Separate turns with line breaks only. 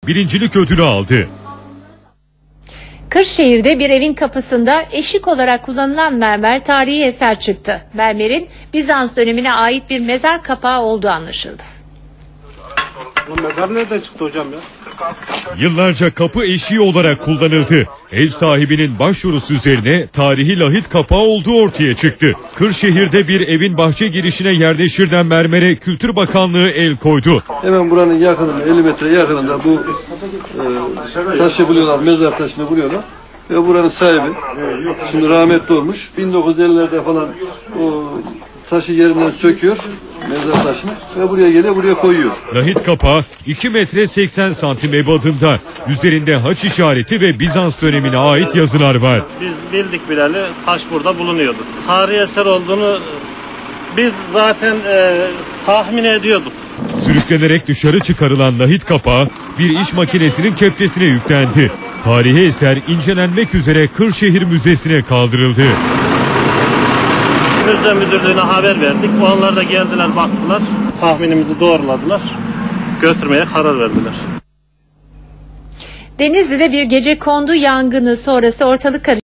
birincilik ödülü aldı.
Kırşehir'de bir evin kapısında eşik olarak kullanılan mermer tarihi eser çıktı. Mermerin Bizans dönemine ait bir mezar kapağı olduğu anlaşıldı.
Bu mezar nereden çıktı hocam ya?
Yıllarca kapı eşiği olarak kullanıldı. Ev sahibinin başvurusu üzerine tarihi lahit kapağı olduğu ortaya çıktı. Kırşehir'de bir evin bahçe girişine yerleştirilen mermere Kültür Bakanlığı el koydu.
Hemen buranın yakınında, 50 metre yakınında bu taşı buluyorlar, mezar taşını buluyorlar. Ve buranın sahibi, şimdi rahmetli olmuş, 1950'lerde falan o taşı yerinden söküyor, mezar taşını, ve buraya geliyor, buraya koyuyor.
Lahit kapağı 2 metre 80 santim ebadında. Üzerinde haç işareti ve Bizans dönemine ait yazılar var.
Biz bildik bileli taş burada bulunuyordu. Tarihi eser olduğunu biz zaten tahmin ediyorduk.
Sürüklenerek dışarı çıkarılan lahit kapağı bir iş makinesinin kepçesine yüklendi. Tarihi eser incelenmek üzere Kırşehir Müzesi'ne kaldırıldı.
Müze müdürlüğüne haber verdik. Onlar da geldiler, baktılar. Tahminimizi doğruladılar. Götürmeye karar verdiler.
Denizli'de bir gecekondu yangını sonrası ortalık karıştı.